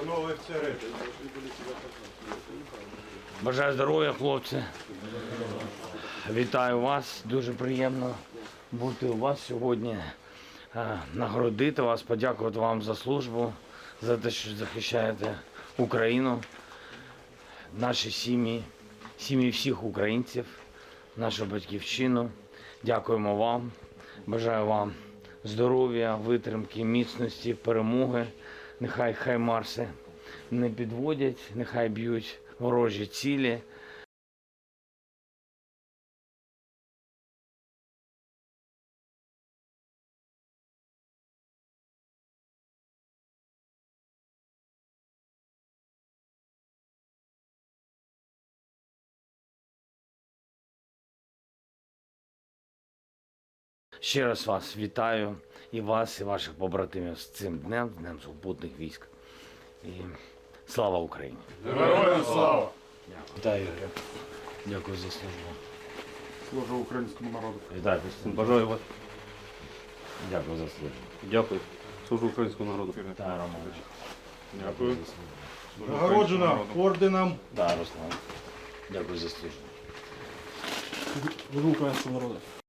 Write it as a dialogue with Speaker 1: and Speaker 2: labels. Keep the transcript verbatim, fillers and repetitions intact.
Speaker 1: Панове офіцери.
Speaker 2: Бажаю здоров'я, хлопці. Вітаю вас. Дуже приємно бути у вас сьогодні, е, нагородити вас, подякувати вам за службу, за те, що захищаєте Україну, наші сім'ї, сім'ї всіх українців, нашу батьківщину. Дякуємо вам. Бажаю вам здоров'я, витримки, міцності, перемоги. Нехай хаймарси не підводять, нехай б'ють ворожі цілі. Ще раз вас вітаю, і вас, і ваших побратимів з цим днем, з Днем сухопутних військ. І слава Україні!
Speaker 1: Героям слава!
Speaker 2: Вітаю, Ігорю. Дякую за службу.
Speaker 1: Служу українському народу.
Speaker 2: Вітаю, Костянтин.
Speaker 3: Бажаю вас.
Speaker 2: Дякую за службу.
Speaker 3: Дякую. Служу українському народу.
Speaker 2: Вітаю, Романович.
Speaker 1: Дякую.
Speaker 2: за службу.
Speaker 1: Нагороджена орденом.
Speaker 2: Да, Руслан. Дякую за службу.
Speaker 3: Служу українському народу.